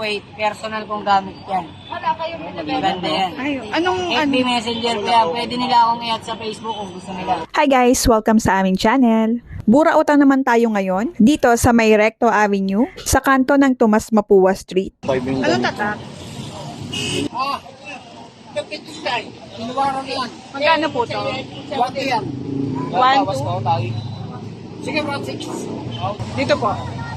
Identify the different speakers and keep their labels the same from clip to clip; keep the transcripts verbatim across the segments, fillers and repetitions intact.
Speaker 1: two eight. Personal kong gamit yan. Maganda yan.
Speaker 2: Ay, anong,
Speaker 1: F B
Speaker 2: ano?
Speaker 1: Messenger kaya pwede nila akong i-add sa Facebook kung gusto nila.
Speaker 2: Hi guys! Welcome sa aming channel. Bura utang naman tayo ngayon dito sa May Recto Avenue sa kanto ng Tomas Mapua Street. Anong tatak?
Speaker 1: Ah, Inuwaran yan.
Speaker 2: Magkano po to?
Speaker 1: One two yan.
Speaker 2: One, two.
Speaker 1: Sige, one six.
Speaker 2: Dito po.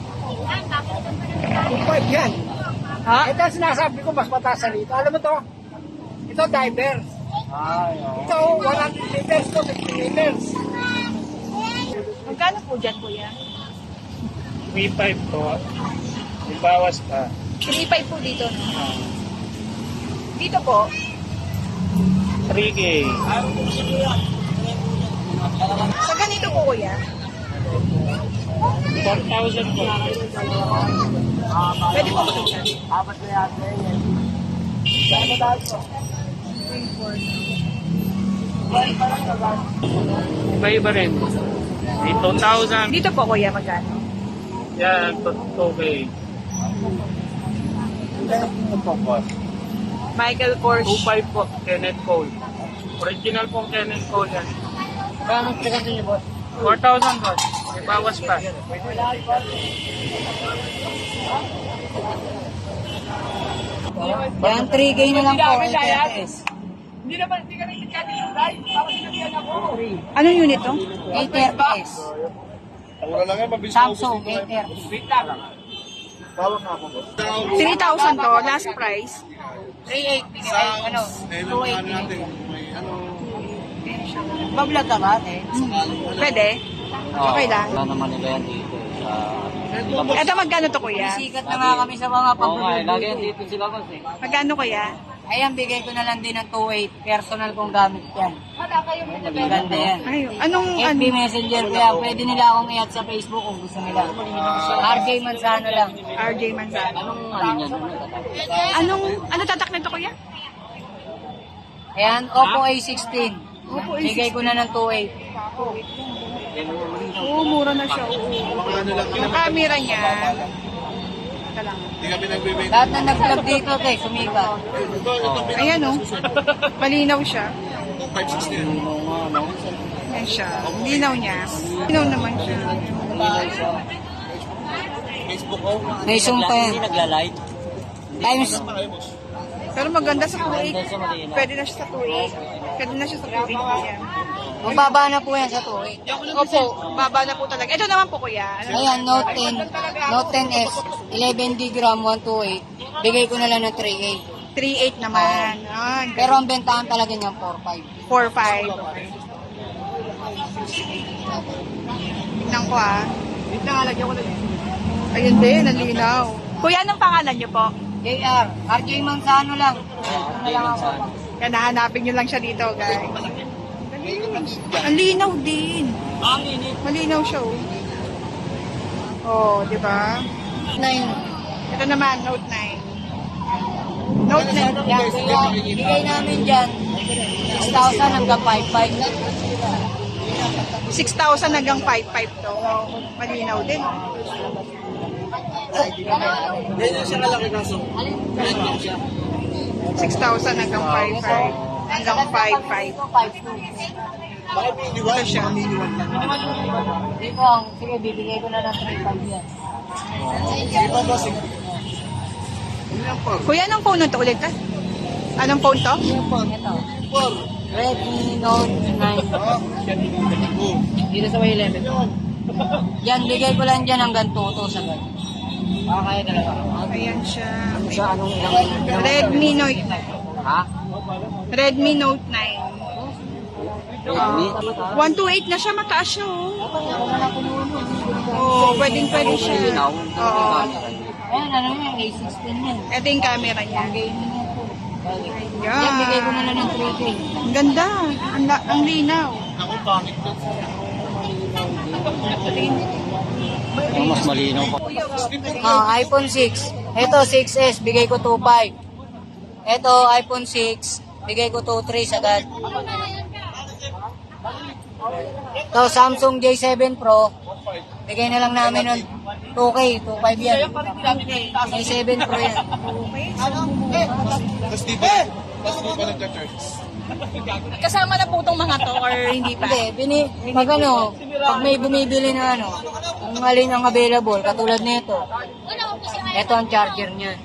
Speaker 1: Two five yan.
Speaker 2: Ha?
Speaker 1: Ito ang sinasabi ko, mas mataas sa rito. Alam mo to? Ito divers. Ito one hundred liters to fifty liters.
Speaker 2: Magkano po dyan, kuya?
Speaker 3: three five po. May bawas pa.
Speaker 2: three five po dito, no? Dito po.
Speaker 3: three K.
Speaker 2: Sa ganito po, kuya?
Speaker 3: four thousand po.
Speaker 2: Pwede po makita.
Speaker 1: Apat na yan. Saan mo dahil po?
Speaker 3: Iba-iba rin. May two thousand.
Speaker 2: Dito po, kuya, magkano?
Speaker 3: Yan, two K.
Speaker 2: Michael Kors.
Speaker 3: two five po, Kenneth Cole. Original pong Kenneth Cole yan.
Speaker 1: Kaya mas tigas niyo, boss.
Speaker 3: four thousand po. May bawas pa.
Speaker 1: Yan, three K na lang po. eight S.
Speaker 2: Anong unit to?
Speaker 1: eight S. Samsung eight thirty.
Speaker 2: three thousand to, last price.
Speaker 1: three eight. Ano? two eight. Bablog ka ba, eh?
Speaker 2: Pwede? Okay lang.
Speaker 4: Wala naman nila yan dito sa...
Speaker 2: Eto, magkano to, kuya?
Speaker 1: Sikat na nga kami sa mga
Speaker 4: Oo nga, eh, lagi yan
Speaker 1: pag-vlog.
Speaker 4: dito sila boss eh.
Speaker 2: Magkano, kuya?
Speaker 1: Ayan, bigay ko na lang din ng two eight. Personal kong gamit yan. Maganda yan.
Speaker 2: Ay, anong,
Speaker 1: F
Speaker 2: ano?
Speaker 1: B Messenger kaya pwede nila akong i-add sa Facebook kung gusto nila. R J Manzano lang.
Speaker 2: R J Manzano.
Speaker 4: Anong ano niya?
Speaker 2: Anong, ano tatak nito, kuya?
Speaker 1: Ayan, Oppo A sixteen.
Speaker 2: Oppo A
Speaker 1: Bigay ko na ng two eight.
Speaker 2: Oo, mura na siya. Oo. Yung camera niya. Ito lang.
Speaker 1: Lahat na nag-vlog dito, te, sumikat.
Speaker 2: Ayan, oh. Malinaw siya. Ayan siya. Linaw niya. Linaw naman siya.
Speaker 1: May zoom pa yan.
Speaker 4: Hindi nagla-light.
Speaker 1: Times,
Speaker 2: Pero maganda sa two eight. Pwede na siya sa two eight. Pwede na siya sa two eight. Ayan.
Speaker 1: mababa na po yan sa two eight.
Speaker 2: Opo, baba na po talaga. Ito naman po, kuya. Ano?
Speaker 1: Ayan, Note ten. Note ten S. eleven D gram, one twenty-eight. Bigay ko na lang ng three eight.
Speaker 2: three eight naman. Ah,
Speaker 1: Pero ang bentahan talaga niyan, four five.
Speaker 2: four five. Okay. Tignan ko, ah. Tignan nga, lagyan ko na. Ayun din, nalinaw. Kuya, anong pangalan niyo po?
Speaker 1: J R. R J Manzano lang. Ano lang ako.
Speaker 2: Kaya nahanapin nyo lang siya dito, guys. Ang linaw din. Malinaw siya, oh. Oh, di ba?
Speaker 1: Nine.
Speaker 2: Ito naman, Note nine. Note nine.
Speaker 1: Yan, kaya bigay namin dyan six thousand hanggang five five.
Speaker 2: six thousand hanggang five five to. Oh, malinaw din. six thousand hanggang five five. Hanggang five five. Ito siya.
Speaker 1: Dito ang, sige, bibigay ko na ng three five yan.
Speaker 2: Kuya, anong phone na to ulit, ha? Anong phone to?
Speaker 1: Ito. Redmi Note nine. Dito sa eleven. Yan, bigay ko lang dyan hanggang two to sa gano'n. Ah, kaya talaga.
Speaker 2: Ayan siya.
Speaker 1: Ano siya, anong ilang?
Speaker 2: Redmi Note.
Speaker 1: Ha?
Speaker 2: Redmi Note nine.
Speaker 4: Redmi?
Speaker 2: one twenty-eight na siya, mataas siya, oh. Oo, pwedeng pwede siya.
Speaker 4: Linaw.
Speaker 2: Oo.
Speaker 1: Ayan, ano yan, A sixteen yan.
Speaker 2: Ito yung camera niya.
Speaker 1: Gaming yan po.
Speaker 2: Yan.
Speaker 1: Yan, bigay ko na lang ng three K.
Speaker 2: Ang ganda. Ang, la- ang linaw.
Speaker 4: Ang mas malinaw pa.
Speaker 1: Ah, iPhone six. Ito, six S, bigay ko two five. Ito, iPhone six, bigay ko two three sagad. Ito, Samsung J seven Pro. Bigay na lang namin ng two K, two point five yan. J seven Pro yan.
Speaker 5: Tapos di ba? Tapos di ba nagcha-charge?
Speaker 2: Kasama na po itong mga to or hindi pa?
Speaker 1: Hindi, bini, pag ano, pag may bumibili na ano, kung alin ang available, katulad nito. Ito ang charger niya.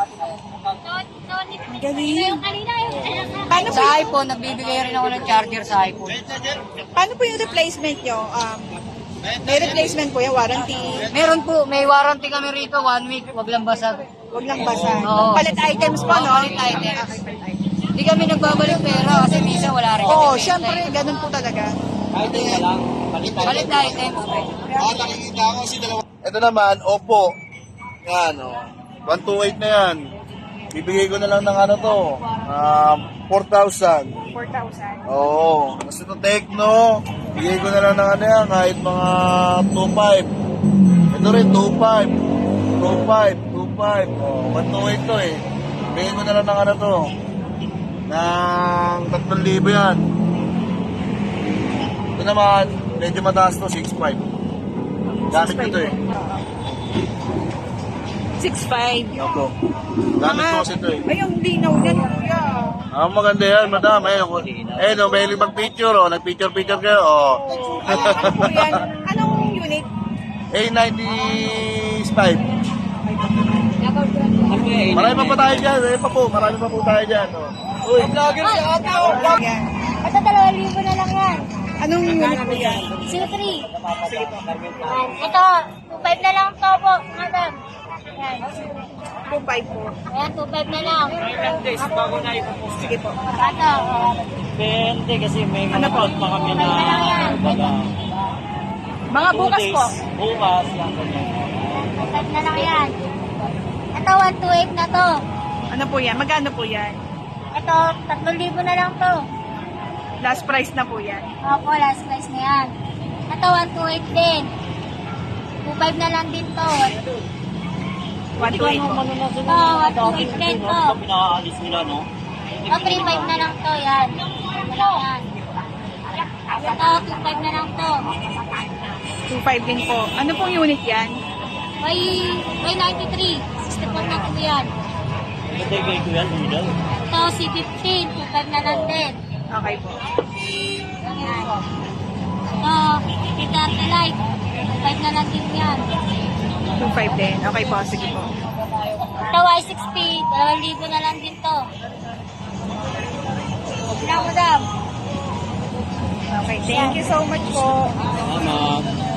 Speaker 2: Galing. Paano po,
Speaker 1: Sa iPhone, nagbibigay rin ako ng charger sa iPhone.
Speaker 2: paano po yung replacement nyo? Um, may replacement po yung warranty.
Speaker 1: Meron po, may warranty kami rito, one week, wag lang basag.
Speaker 2: Huwag lang basa.
Speaker 1: Oo.
Speaker 2: Palit items po, no?
Speaker 1: Palit items. Hindi kami nagbabalik pera kasi minsan wala rin kami
Speaker 2: Oo,
Speaker 1: benta.
Speaker 2: syempre, ganun po talaga.
Speaker 1: Palit items.
Speaker 5: Ah, nakikita ko si dalawa. Ito naman, Oppo. Yan, oh. one twenty-eight na yan. Bibigay ko na lang ng ano to, um, four thousand.
Speaker 2: four thousand.
Speaker 5: Oo. Tapos ito Tecno, bigay ko na lang ng ano yan, kahit mga two five. Ito rin, two five. two five, two five. Oh, one twenty-eight to eh. Bigay ko na lang ng ano to, ng tatlong libo yan. Ito naman, medyo mataas to, six five. Gamit ko to eh.
Speaker 2: six five.
Speaker 5: Opo. Gamit ko kasi to eh.
Speaker 2: Ay, ang linaw niyan, kuya.
Speaker 5: Ah, maganda yan, madam. Ayun, eh, no, may limang picture, oh. Nag-picture-picture kayo, oh.
Speaker 2: Ano po yan? Anong unit?
Speaker 5: A ninety-five. Marami pa pa tayo dyan, eh, pa po. Marami pa po tayo dyan, oh. Uy, vlogger si ate, oh.
Speaker 2: Yan.
Speaker 6: Ito, dalawang libo na lang yan.
Speaker 2: Anong unit po yan?
Speaker 6: zero three. Ito, two five na lang to po, madam. Yan.
Speaker 2: two five po.
Speaker 6: Ayan, two five na lang.
Speaker 2: Sige po.
Speaker 6: Ito,
Speaker 4: Depende kasi may
Speaker 2: Ano
Speaker 4: mga
Speaker 2: po?
Speaker 4: pa kami na
Speaker 6: Ano lang yan?
Speaker 4: baga,
Speaker 2: Mga bukas po.
Speaker 4: bukas lang ganyan.
Speaker 6: two five na lang yan. Ito, one two eight na to.
Speaker 2: Ano po yan? Magkano po yan?
Speaker 6: Ito, tatlong libo na lang to.
Speaker 2: Last price na po yan.
Speaker 6: Opo, last price na yan. Ito, one two eight din. two five na lang din to.
Speaker 2: one two eight po.
Speaker 4: Ano na sila?
Speaker 6: Oo, one two eight din to.
Speaker 4: Pinakaalis nila, no?
Speaker 6: Ito, three five na lang to, yan. Wala yan. Ito, two five na lang to.
Speaker 2: two five din po. Ano pong unit yan?
Speaker 6: May, may ninety-three. sixty-four na po yan.
Speaker 4: Hindi kay Kuya Lidl.
Speaker 6: Ito, C fifteen. two five na lang din.
Speaker 2: Okay po.
Speaker 6: Yan. Ito, Pidarte Light. two five na lang din yan.
Speaker 2: two five din. Okay po. Sige po.
Speaker 6: Ito, Y six P. dalawang libo na lang din to. Wala mo, dam.
Speaker 2: Okay. Thank you so much po.
Speaker 4: Salamat.